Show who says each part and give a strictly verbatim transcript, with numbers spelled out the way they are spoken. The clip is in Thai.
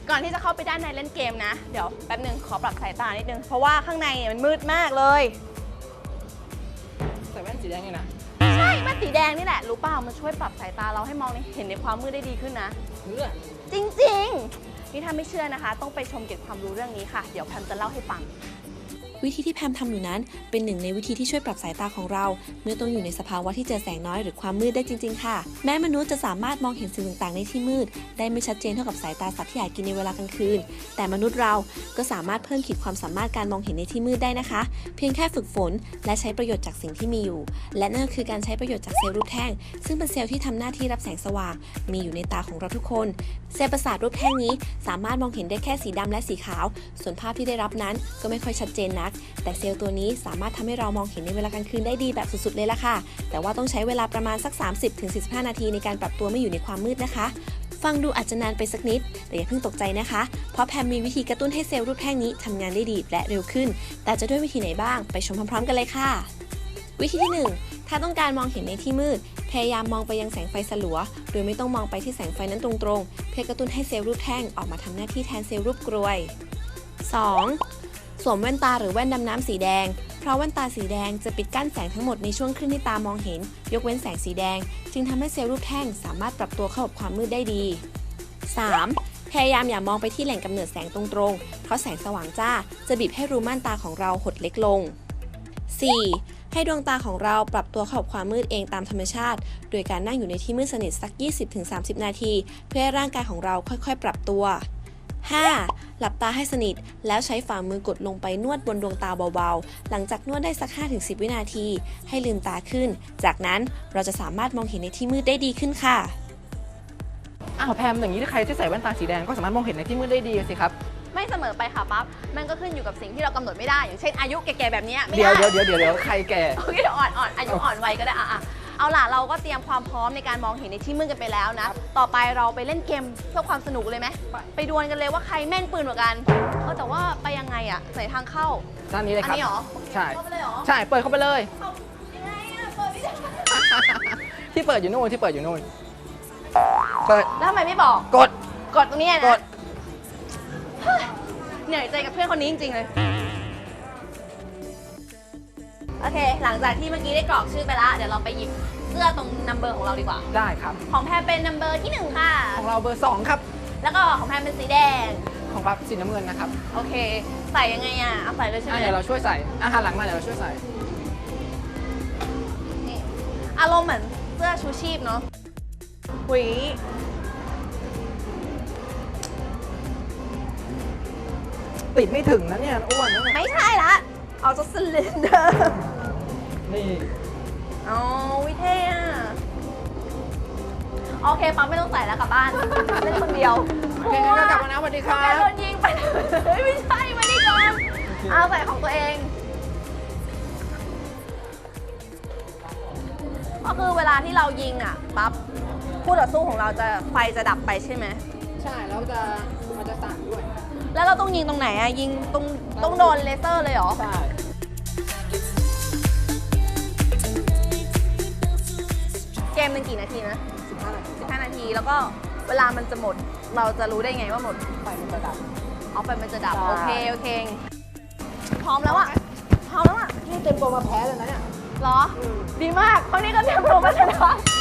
Speaker 1: ก่อนที่จะเข้าไปด้านในเล่นเกมนะเดี๋ยวแป๊บนึงขอปรับสายตานิดนึงเพราะว่าข้างในเนี่ยมันมืดมากเลย
Speaker 2: ใส่แว่นสีแดงเลยนะ
Speaker 1: ใช่แว่นสีแดงนี่แหละรู้เปล่ามันช่วยปรับสายตาเราให้มองเห็นในความมืดได้ดีขึ้นนะ
Speaker 2: เพื่อ
Speaker 1: จริงๆนี่ถ้าไม่เชื่อนะคะต้องไปชมเก็บความรู้เรื่องนี้ค่ะเดี๋ยวแพมจะเล่าให้ฟัง
Speaker 3: วิธีที่แพมทำอยู่นั้นเป็นหนึ่งในวิธีที่ช่วยปรับสายตาของเราเมื่อต้องอยู่ในสภาวะที่เจอแสงน้อยหรือความมืดได้จริงๆค่ะแม้มนุษย์จะสามารถมองเห็นสิ่งต่างๆในที่มืดได้ไม่ชัดเจนเท่ากับสายตาสัตว์ที่หากินในเวลากลางคืนแต่มนุษย์เราก็สามารถเพิ่มขีดความสามารถการมองเห็นในที่มืดได้นะคะเพียงแค่ฝึกฝนและใช้ประโยชน์จากสิ่งที่มีอยู่และนั่นก็คือการใช้ประโยชน์จากเซลล์รูปแท่งซึ่งเป็นเซลล์ที่ทำหน้าที่รับแสงสว่างมีอยู่ในตาของเราทุกคนเซลล์ประสาทรูปแท่งนี้สามารถมองเห็นได้แค่สีดำและสีขาวส่วนภาพที่ได้รับนั้นก็ไม่ค่อยชัดเจนนักแต่เซลล์ตัวนี้สามารถทำให้เรามองเห็นในเวลากลางคืนได้ดีแบบสุดๆเลยล่ะค่ะแต่ว่าต้องใช้เวลาประมาณสัก สามสิบถึงสี่สิบห้า นาทีในการปรับตัวไม่อยู่ในความมืดนะคะฟังดูอาจจะนานไปสักนิดแต่อย่าเพิ่งตกใจนะคะเพราะแพมมีวิธีกระตุ้นให้เซลล์รูปแท่งนี้ทำงานได้ดีและเร็วขึ้นแต่จะด้วยวิธีไหนบ้างไปชมพร้อมๆกันเลยค่ะวิธีที่หนึ่งถ้าต้องการมองเห็นในที่มืดพยายามมองไปยังแสงไฟสลัวโดยไม่ต้องมองไปที่แสงไฟนั้นตรงๆเพื่อกระตุ้นให้เซลล์รูปแท่งออกมาทำหน้าที่แทนเซลล์รูปกรวย สอง. สวมแว่นตาหรือแว่นดำน้ำสีแดงเพราะแว่นตาสีแดงจะปิดกั้นแสงทั้งหมดในช่วงครึ่งที่ตามองเห็นยกเว้นแสงสีแดงจึงทำให้เซลล์รูปแท่งสามารถปรับตัวเข้ากับความมืดได้ดี สาม. พยายามอย่ามองไปที่แหล่งกำเนิดแสงตรงๆเพราะแสงสว่างจ้าจะบีบให้รูม่านตาของเราหดเล็กลง สี่. ให้ดวงตาของเราปรับตัวเข้ากับความมืดเองตามธรรมชาติโดยการนั่งอยู่ในที่มืดสนิทสัก ยี่สิบถึงสามสิบ นาทีเพื่อให้ร่างกายของเราค่อยๆปรับตัว ห้า. หลับตาให้สนิทแล้วใช้ฝ่ามือกดลงไปนวดบนดวงตาเบาๆหลังจากนวดได้สัก ห้าถึงสิบ วินาทีให้ลืมตาขึ้นจากนั้นเราจะสามารถมองเห็นในที่มืดได้ดีขึ้นค่ะ
Speaker 2: อ้าวแพมอย่างนี้ถ้าใครที่ใส่แว่นตาสีแดงก็สามารถมองเห็นในที่มืดได้ดีสิครับ
Speaker 1: ไม่เสมอไปค่ะปั๊บมันก็ขึ้นอยู่กับสิ่งที่เรากำหนดไม่ได้อย่างเช่นอายุแก่ๆแบบนี้ไม่ได้
Speaker 2: เดี๋ยวเดี๋ยวเดี๋ยวเดี๋ยวใครแก่
Speaker 1: โอเคอ่อนอ่อนอายุอ่อนวัยก็ได้อะเอาล่ะเราก็เตรียมความพร้อมในการมองเห็นในที่มืดกันไปแล้วนะต่อไปเราไปเล่นเกมเพื่อความสนุกเลยไหมไปดวลกันเลยว่าใครแม่นปืนกว่ากันเออแต่ว่าไปยังไงอะใส่ทางเข้า
Speaker 2: ด้านนี้เลยครับ
Speaker 1: อันนี้หรอ
Speaker 2: ใช่
Speaker 1: เข้าไปเลยหรอ
Speaker 2: ใช่เปิดเข้าไปเลย
Speaker 1: ยังไงอะเปิดไม่ได้
Speaker 2: ที่เปิดอยู่นู่นที่เปิดอยู่นู่นเปิด
Speaker 1: แล้วทำไมไม่บอก
Speaker 2: กด
Speaker 1: กดตรงนี้นะ
Speaker 2: กด
Speaker 1: เหนื่อยใจกับเพื่อนคนนี้จริงๆเลยโอเคหลังจากที่เมื่อกี้ได้กรอกชื่อไปแล้วเดี๋ยวเราไปหยิบเสื้อตรงนัมเบอร์ของเราดีกว่า
Speaker 2: ได้ครับ
Speaker 1: ของแพมเป็นนัมเบอร์ที่หนึ่งค่ะ
Speaker 2: ของเราเบอร์สองครับ
Speaker 1: แล้วก็ของแพมเป็นสีแดง
Speaker 2: ของปั๊บสีน้ำเงินนะครับ
Speaker 1: โอเคใส่ยังไงอ่ะเอาใส่เลยใช่ไหม
Speaker 2: เดี๋ยวเราช่วยใส่อาหารหลังมาเดี๋ยวเราช่วยใส่
Speaker 1: นี่อารมณ์เหมือนเสื้อชูชีพเนาะหุย
Speaker 2: ติดไม่ถึงนะเนี่ยอ้วนนะ
Speaker 1: ไม่ใช่ละเอาจากซิลินเดอร์
Speaker 2: นี่
Speaker 1: อ๋อวิเท่อะโอเคปั๊มไม่ต้องใส่แล้วกลับบ้านเล่นคนเดียว
Speaker 2: โอเคงั้นก็กลับมานะสวัสดีครับ
Speaker 1: โดนยิงไปไม่ใช่ไม่ได้โดนเอาใส่ของตัวเองก็คือเวลาที่เรายิงอ่ะปั๊บคู่ต่อสู้ของเราจะไฟจะดับไปใช่ไหม
Speaker 2: ใช่แล้วจะมันจะสั่นด้วย
Speaker 1: แล้วเราต้องยิงตรงไหนอะยิงตรงต้องโดนเลเซอร์เลยเหรอ
Speaker 2: ใช่
Speaker 1: เกมเป็นกี่นาทีนะ
Speaker 2: สิบห้านาที
Speaker 1: สิบห้านาทีแล้วก็เวลามันจะหมดเราจะรู้ได้ไงว่าหมด
Speaker 2: ไฟมันจะดับ
Speaker 1: เอาไฟมันจะดับโอเคโอเคพร้อมแล้วอะพร้อมแล้วอะ
Speaker 2: นี่เต็มตัวมาแพ้เลยนะเนี่ย
Speaker 1: เหรอดีมากเพราะนี่ก็เตรียมตัวมาชนะ